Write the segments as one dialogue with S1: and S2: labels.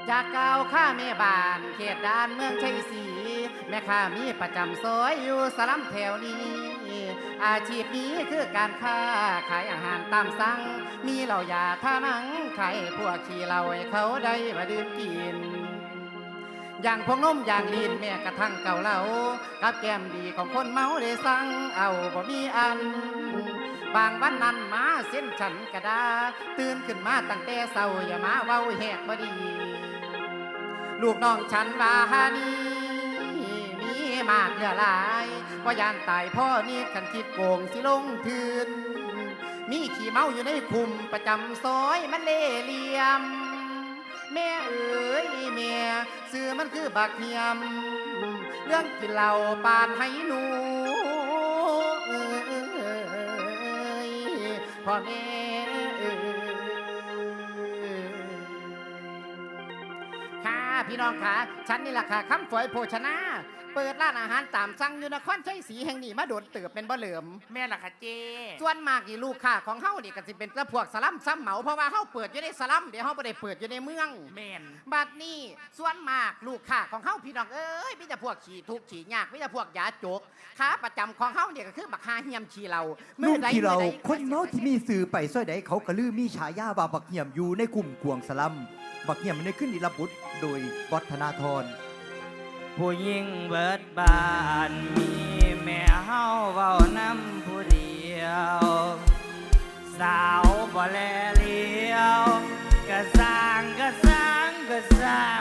S1: จากเก่าข้าแม่บ้านเขตด่านเมืองชัยศรีแม่ข้ามีประจำซอยอยู่สลัมแถวนี้อาชีพนี้คือการค้าขายอาหารตามสั่งมีเหล้ายาท่านังขายพวกขี้เหล้าให้เขาได้มาดื่มกินอย่างพวกนมอย่างลีนแม่กระทั่งเก่าเหล้ากับแก้มดีของคนเมาได้สั่งเอาบ่มีอันบางวันนั้นมาเส้นฉันกระดาตื่นขึ้นมาตั้งแต่เศร้าอย่ามาเว้าแหกบ่ดีลูกน้องฉันว่าหานี่มีมากเหลือหลายว่ายานตายพ่อนี่ขันคิดโกงสิลงทืนมีขี่เมาอยู่ในคุมประจำซอยมันเล่เหลี่ยมแม่เอ๋ยแม่ซื้อมันคือบักเฮียมเรื่องกินเหล้าปานให้หนูพ่อแม่ค่ะพี่น้องค่ะฉันนี่แหละค่ะคำฝอยโภชนาเปิดร้านอาหารตามสั่งอยู่นครชัยศรีแห่งนี้มาโดนเติบเป็นบ่เหลิม
S2: แม่ล่ะค่ะเจ
S1: ส่วนมากนี่ลูกค้าของเฮานี่ก็สิเป็นพวกสลัมซ้ำเหมาเพราะว่าเฮาเปิดอยู่ในสลัมเดี๋ยวเฮาบ่ได้เปิดอยู่ในเมือง
S2: แม่น
S1: บัดนี้ส่วนมากลูกค้าของเฮาพี่น้องเอ้ยมีแต่พวกขี้ทุกข์ขี้ยากมีแต่พวกยาจกค้าประจำของเฮาเนี่ยก็คือบักฮาเฮียมขี้เรา
S3: ลูกที่เราคนเมาที่มีสื่อไปซ้อยใดเขากระลือมีฉายาว่าบักเหี่ยมอยู่ในกลุ่มกวงสลัมบักเหี่ยมมันได้ขึ้นอิรบุตรโดยวัฒนาธร
S4: ผู้หญิงเบิดบ้านมีแม่เฮาเว้านำผู้เดียวสาวบ่แลเลี้ยวก็สร้างก็สร้างก็สร้าง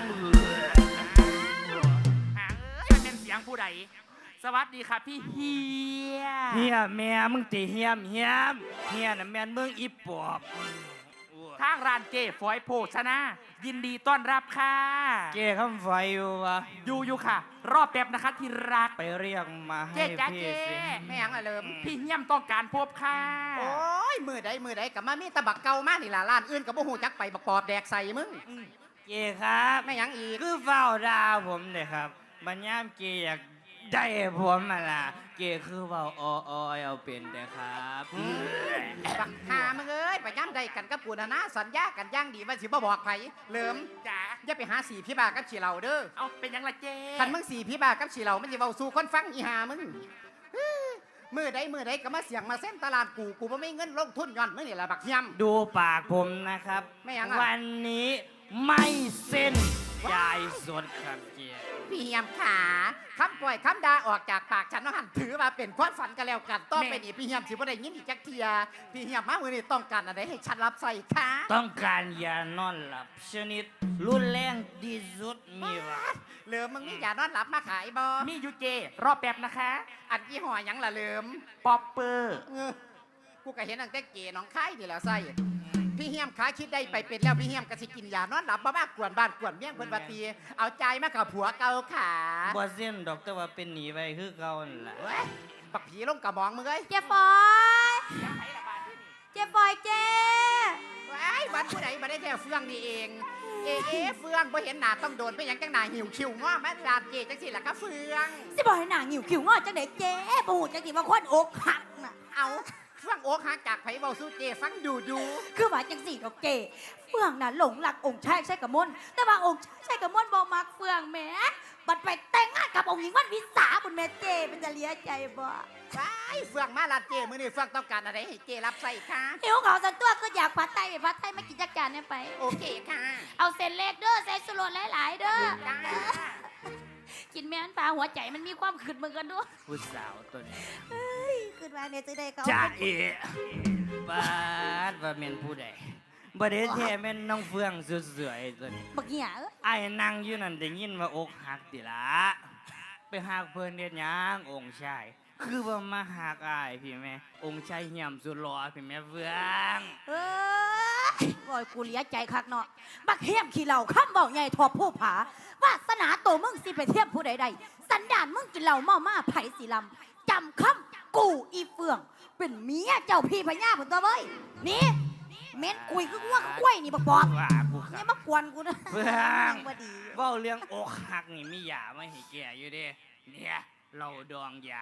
S2: หางเอ้ยมันเป็นเสียงผู้ใดสวัสดีค่ะพี่เฮีย
S4: เฮียแม่มึงติเฮียมเฮียน่ะแม่นมึงอีปอบ
S2: ทางร้านเจฝอยโภชนายินดีต้อนรับค่ะ
S4: เจคำไฟอยู่วะ
S2: อยู่ค่ะ รอบแป๊บนะคะที่รัก
S4: ไปเรียกมาให้พี่สิ
S1: แม่งอะเลิม
S2: พี่เฮียมต้องการพบค่ะ
S1: โอ้ยมือใดกับมามีตะบักเก่ามากนี่ล่ะร้านอื่นกับบ่ฮู้จักไปบักปอบแดกใส่มึง
S4: เจครับ
S1: แม่ยังอีก
S4: คือเฝ้าดาวผมเนี่ยครับบัญญามเจอยากได้ผมมาล่ะเกคือเว่าเอาเป็นแต่ครับ
S1: บักหามึงเอ้ยไปย่ำใดกันกับปูนะสัญญากันย่างดีว่าสิบ่บอกไผเหลิม
S2: จ๋า
S1: อย่าไปหาสีพี่บากับฉีเหล่าเด้อ
S2: เอาเป็นยังละเจ
S1: คันมึงสีพี่บากับฉีเหล่ามันจะเว้าสู่คนฟังอีหามึงมือใดก็มาเสียงมาเส้นตลาดกูบ่มีเงินลงทุนย้อนมึงนี่แหละบักเฮียม
S4: ดูปากผมนะครับวันนี้ไม่เส้นจ่ายสดครับเกียร์
S1: พี่เฮียมขาคำปล่อยคำด่าออกจากปากฉันน้องหันถือมาเป็นความฝันกันแล้วกันต้องไปนี่พี่เฮียมสิบ่ได้ยินอีกจักเทียพี่เฮียมมามือนี่ต้องการอะไรให้ฉันรับใส่ค่ะ
S4: ต้องการยานอนหลับชนิดรุนแรงที่สุดมีวะ
S1: เหลิมมึงมียานอนหลับมาขายบ่
S2: มียูเจรอบแป๊บนะคะ
S1: อันยี่ห้อยังล่ะเหลิม
S2: ป๊อปเปอร์
S1: กูก็เห็นตั้งแต่เก๋น้องค่ายนี่แหละใส่พี่เฮียมขาคิดได้ไปเป็นแล้วพี่เฮียมก็สิกินยานอนหลับบ้ามากกวนบ้านกวนเมี่ยงเพิ่นว่าตีเอาใจมากับผัวเก่าขา
S4: บ่เส้นดอกแต่ว่าเป็นหนีไว้คือเก่านั่นแหละ
S1: ปักผีลงกระมองมึงเอ้ย
S5: เจ๊ฟอยเจ๊ฟอยเจ๊
S1: ไอ้บ้านผู้ใดมาได้แท้เฟืองนี่เองเฟืองบ่เห็นหน้าต้องโดนไปยังจังหน้าหิวคิวง้อแม่ลาดเจจังสิล่ะก็เฟือง
S5: สิบ่ให้หน้าหิวคิวง้อจังได๋เจ๊บ่ฮู้จังสิว่าคนอกหักน่ะ
S1: เอาเฟืองอกหักจากไผเว้าสู่เจฟังดู
S5: คือว่าจังสี่ดอกเจเฟืองน่ะหลงรักองค์ชายใช่กะมนแต่ว่าองค์ชายใช่กะมนบ่มักเฟืองแหมบัดไปแต่งงานกับองค์หญิงวันวิสาบุญแม่เจมันจะเลียใจบ่
S1: ไอ้เฟืองมาลาดเจมื้อนี้เฟืองต้องการอะไรให้เจรับใส่ค่ะ
S5: หิวข้าวสันตัวก็อยากผัดไทยผัดไทยมากินจักจานได้ไป
S1: โอเคค่ะ
S5: เอาเส้นเล็กเด้อใส่สุรสหลายๆเด้อกินแม่นปลาหัวใจมันมีความขึ้นเหมือนกันด้วย
S4: ผู้สาวตัวนี้
S5: ขึ้นมาเนี่ยจะได้เขา
S4: จ่าเอ๋บาดว่าเมนผู้ใดบ่ได้แท้แม่นน้องเฟืองสวยๆตัวนี้
S5: บักเหี้ย
S4: ไอ้นั่งอยู่นั่นได้ยินว่าอกหักติละไปหักเพิ่นเฮ็ดหยังองค์ชายคือว่ามาหักอ้ายพี่แม่องค์ชายเหี่ยมสุดหล่อพี่แม่เฟือง
S5: โอ้ยกูเลียใจคักเนาะบักเหี้ยมขี้เหล้าคำเว้าใหญ่ทอผู้ผาวาสนาโตมึงสิไปเทียมผู้ใดๆสันดานมึงกินเหล้าเมามาไผสิลำจำคำกูอีเฟืองเป็นเมียเจ้าพี่พญาพุ่นตัวเว้ยนี่เม้นคุยคือง่วงกล้วยนี่บักบอบนี่มากวนกูนะ
S4: เฟืองเว้าเรื่องอกหักนี่มียาไม่ให้แก่อยู่เด้เนี่ยเราดองยา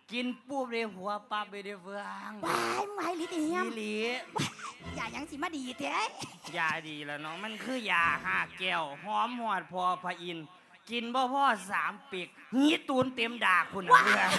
S4: กินปุ๊บเลยหัวปั๊บไปเลยเฟือง
S5: ว้ายมึงไอ้ลิติเฮียม
S4: อีหลี
S5: อย่ายังสิมาดีแท้
S4: ยาดีแล้วเนาะมันคือยาห้าแก้วหอมหอดพอพระอินทร์กินบ่พ่อ3 ปีกหีตูนเต็มดากคุณน่ะเพื่อน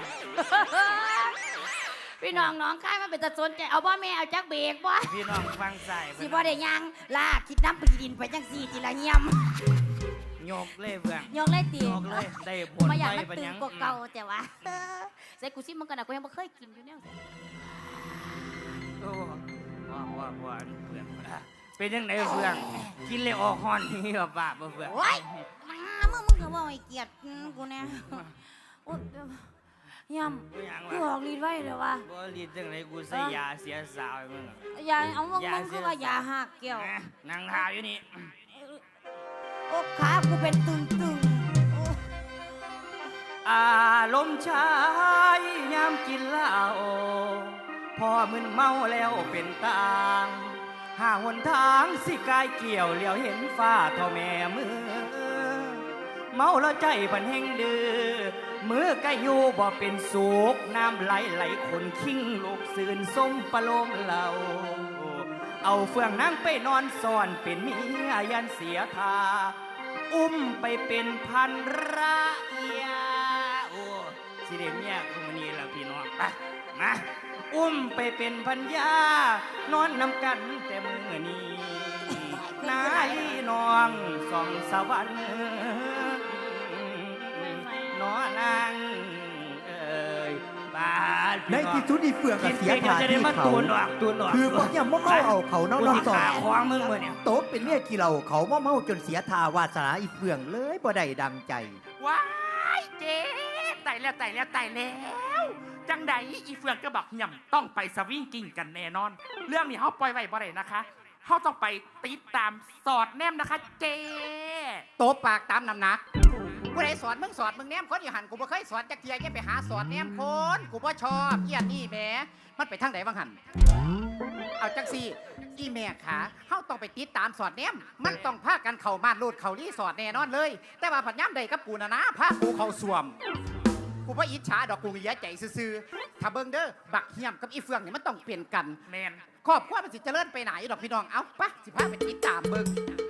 S5: พี่น้องน้องค่ายมันเป็นตะสนใจเอาบ่แม่เอาจักเบรกบ่
S4: พี่น้องฟังใส่
S5: สิบ่ได้ยังลากคิดน้ำปีดินไปจังสี่จิละเฮียม
S4: ยกเลยเพื่อน
S5: ยกเลยตี
S4: ยกเลยได้ผล
S5: มาอยาก
S4: ไป
S5: มัน
S4: ปะ
S5: ตื่
S4: ยั
S5: น
S4: ง
S5: กว่าเก่าแต่ว่าใส่กูซิมันกันนะกูยังไม่เคยกินอยู่เนี่ย
S4: โอ้ว่าเพื่อนเป็นยังไงเพื่อนกินเลยออกฮอนนี่แบบบ้าบ่เพื่อน
S5: โอ้ยมึงก็บอกไอ้เกียรติกูเนี่ยโอ้ยเฮียม
S4: ไม่ยัง
S5: กูอ
S4: วะ
S5: อกฤทธิ์ไว้เลยว่ะ
S4: บ่รีดจังไรกูใส่ยาเสียสาวให้มึงอะ
S5: ยาเอามึงคือว่ายาหักเกี่ยว
S4: นะนั่งทาอยู่นี่
S5: โอ้ขากูเป็นตึงโอ้
S4: อารมณ์ชายยามกินเหล้าพอมึนเมาแล้วเป็นตางหาหนทางสิกายเกี่ยวเหลียวเห็นฟ้าเท่าแม่มือ เมาแล้วใจพันแห่งดื้อมือก็อยู่บ่เป็นสุกน้ำไหลคนคิงลูกสื่นส้มปะโลมเหล่าเอาเฟืองนั่งไปนอนซ่อนเป็นเมียยันเสียทา อุ้มไปเป็นพันระยาโอ้สิเดเมียคุมอนี้ละพี่น้องไปมาอุ้มไปเป็นพันยานอนนำกันแต่มือนี้นายน้องส่องสวรรค์นอนางเอ้ยบาด
S3: ในที่สุดอีเฟือง
S4: กิ
S3: ก็
S4: น
S3: เสีย
S4: เก่ง
S3: ทา
S4: จะได้
S3: ที่
S4: มา
S3: เขา
S4: ตูนออกตูนออก
S3: คือบักเหี่ยมเมาเอาเขาน้องๆสอ
S4: ขาง ควางมึงเมื่อเนี่ย
S3: โต๊ะเป็นเมียกี่เราเขาเมาจนเสียทาวาสนาอีเฟืองเลยบ่ได้ดังใจ
S2: ว้ายเจ๊ตายแล้วจังใดอีเฟืองก็บอกย่ำต้องไปสวิงกิ้งกันแน่นอน เรื่องนี้เขาปล่อยไว้บ่ได้นะคะเขาต้องไปติดตามสอดแนมนะคะเจ๊
S1: โตปากตามน้ำหนักกูได้สอนมึงแนมคนอยู่หันกูบ่เคยสอนจักเทียแกไปหาสอนแนมคนกูบ่ชอบเกียดนี่แหมมันไปทางไหนบ้างหันเอาจักซี่อีแม่ขาเฮาต้องไปติดตามสอดแนมมันต้องพากันเข้ามาลูดเข้ารีสอดแน่นอนเลย แต่ว่าผัดย่ำใดกับกูนะพากูเข้าสวมกูว่าอิจฉาดอกกูมียใจซื่อๆถ้าเบิ่งเด้อบักเหี่ยมกับอีเฟืองนี่มันต้องเปลี่ยนกัน
S2: แมน
S1: ครอบครัวมันสิเจริญไปไหนดอกพี่น้อง เอ้าปะสิพาไปติดตามเบิ่ง